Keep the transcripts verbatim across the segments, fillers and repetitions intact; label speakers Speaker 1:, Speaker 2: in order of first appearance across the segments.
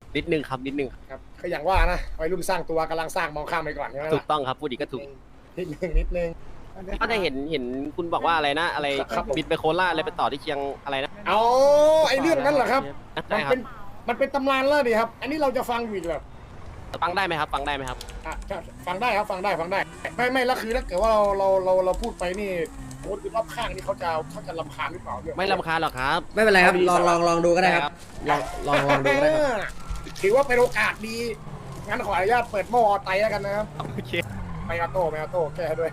Speaker 1: นิดนึงครับนิดนึง
Speaker 2: ครับก็อย่างว่านะวัยรุ่นสร้างตัวกำลังสร้างมองข้ามไปก่อนใช่ไหม
Speaker 1: ถู
Speaker 2: ล่ะ
Speaker 1: กต้องครับพูดอีกก็ถูก
Speaker 2: นิดนึงนิดนึง
Speaker 1: ก็ได้เห็นเห็นคุณบอกว่าอะไรนะ อะไร
Speaker 2: ครับผม
Speaker 1: บินไปโคราชอะไรไปต่อที่เชียงอะไรนะ
Speaker 2: เอาไอ้เรื่องนั้นเหรอครับ
Speaker 1: ใช่
Speaker 2: มัน
Speaker 1: ครั
Speaker 2: เป็
Speaker 1: บ
Speaker 2: นมันเป็นตำนานแล้วดิครับ อันนี้เราจะฟังอยู่อีกแบบ
Speaker 1: ฟังได้ไหมครับ ฟังได้ไหมครับ
Speaker 2: อ่ะฟังได้ครับฟังได้ฟังได้ ไม่ไม่แล้วคือถ้าเกิดว่าเราเราเราเราพูดไปนี่คนรอบข้างนี่เขาจะเขาจะรำคาญหรือเปล่าเนี่ย
Speaker 1: ไม่รำคาญหรอกครับ
Speaker 3: ไม่เป็นไรครับลองลองลองดูก็ได้ครับลองลองลองดูก็ได้ครับ
Speaker 2: ถือว่าเป็นโอกาสดีงั้นขออนุญาตเปิดหม้อไตแล้วกันนะครับ
Speaker 1: โอเค
Speaker 2: ไม่เอาโต้ไม่เอาโต้แก้ด้วย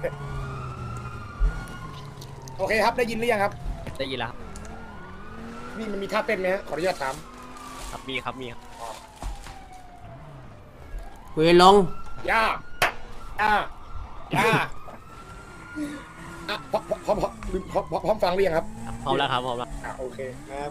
Speaker 2: โอเคครับได้ยินหรือยังครับ
Speaker 1: ได้ยินแล้วครับ
Speaker 2: นี่มันมีท่าเต้นไหมฮะขออนุญาตถาม
Speaker 1: ครับมีครับมีครับ
Speaker 3: คุยลง
Speaker 2: ย่าย่าย่าอ่ะพร้อมพร้อมพร้อมพร้อมพร้อมพร้อมฟังหรือยังครับ
Speaker 1: พร้อมแล้วครับพร้อมแล้ว
Speaker 2: อ่ะโอเคนะครับ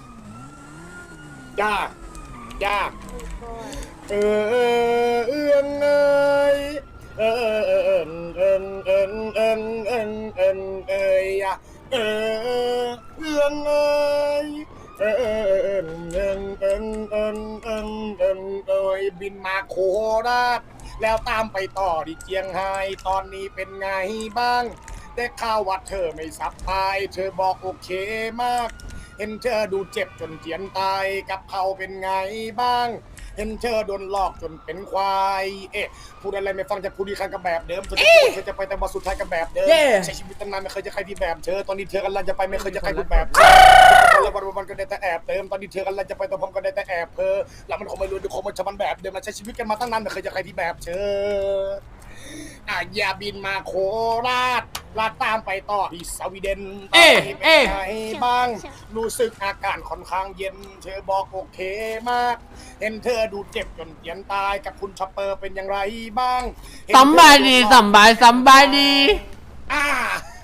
Speaker 2: ย่าย่าเออเออเอื้องเอยเออเออเออเออเออเออเออเออเออเอยอ่ะเออเอื้องเอยเออเออเออเออเออเออเออเออเอยบินมาโคราชแล้วตามไปต่อที่เจียงไฮ้ตอนนี้เป็นไงบ้างได้ข่าวว่าเธอไม่สับพายเธอบอกโอเคมากเห็นเธอดูเจ็บจนเจียนตายกับเขาเป็นไงบ้างเห็นเธอโดนหลอกจนเป็นควายเอ๊ะพูดอะไรไม่ฟังจะพูดดีคันกับแบบเดิมเธอจะพูดเธอจะไปแต่มาสุดท้ายกับแบบเดิม
Speaker 3: เย้
Speaker 2: ใช้ชีวิตตั้งนานไม่เคยจะใครที่แบบเธอตอนนี้เธอกำลังจะไปไม่เคยจะใครพูดแบบเธอแล้ววันวันก็ได้แต่แอบเติมตอนนี้เธอกำลังจะไปแต่ผมก็ได้แต่แอบเธอแล้วมันคงไม่รู้ดูคงมันจะมันแบบเดิมมันใช้ชีวิตกันมาตั้งนานไม่เคยจะใครที่แบบเธออ่ะอย่าบินมาโคราชลาดตามไปต่อที่สวีเดน
Speaker 3: เอ๊ะ
Speaker 2: ตนนี้ป็น
Speaker 3: เอ๊ะ
Speaker 2: ไงบ้าง รู้สึกอาการค่อนข้างเย็น เธอบอกโอเคมาก เห็นเธอดูเจ็บจนเจียนตายกับคุณชอปเปอร์เป็นอย่างไรบ้างเห็นเธอ
Speaker 3: สำบายดีสำบายสำบายดี
Speaker 2: อ่า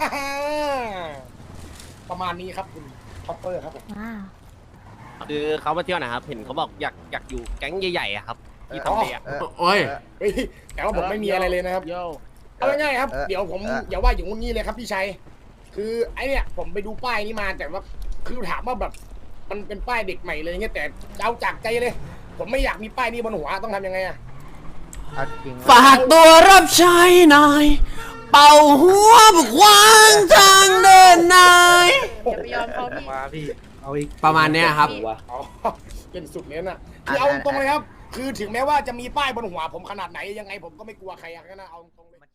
Speaker 2: ประมาณนี้ครับคุณชอปเปอร์ครับผม
Speaker 4: ว้าว
Speaker 1: คือเขามาเที่ยวนะครับ เห็นเขาบอกอยากอยากอยู่แก๊งใหญ่ๆอะครับที่ทำเดีย
Speaker 3: โอ้ย
Speaker 2: เฮ้ยแต่ว่าผมไม่มีอะไรเลยนะครับ
Speaker 1: โย่
Speaker 2: เอาง่ายๆครับ
Speaker 5: เออ
Speaker 2: เดี๋ยวผม
Speaker 5: เออ
Speaker 2: อย่าว่าอย่างงู้นงี้เลยครับพี่ชัย คือไอเนี่ยผมไปดูป้ายนี้มาแต่ว่าคือถามว่าแบบมันเป็นป้ายเด็กใหม่เลยเงี้ยแต่เอาจากใจเลย ผมไม่อยากมีป้ายนี้บนหัวต้องทำยังไงอะ
Speaker 5: เอาจริง
Speaker 3: ฝากตัวรับใช้นาย เป่าหัวบุกวางทางเดินนาย
Speaker 4: อย่าไปยอมเขาพี่
Speaker 6: มาพี่ เอาอีก
Speaker 3: ประมาณเนี้ยครับ
Speaker 2: อ๋อเป็นสุดเลยน่ะคือเอาตรงเลยครับ คือถึงแม้ว่าจะมีป้ายบนหัวผมขนาดไหนยังไงผมก็ไม่กลัวใครอะก็นะเอาตรงเลย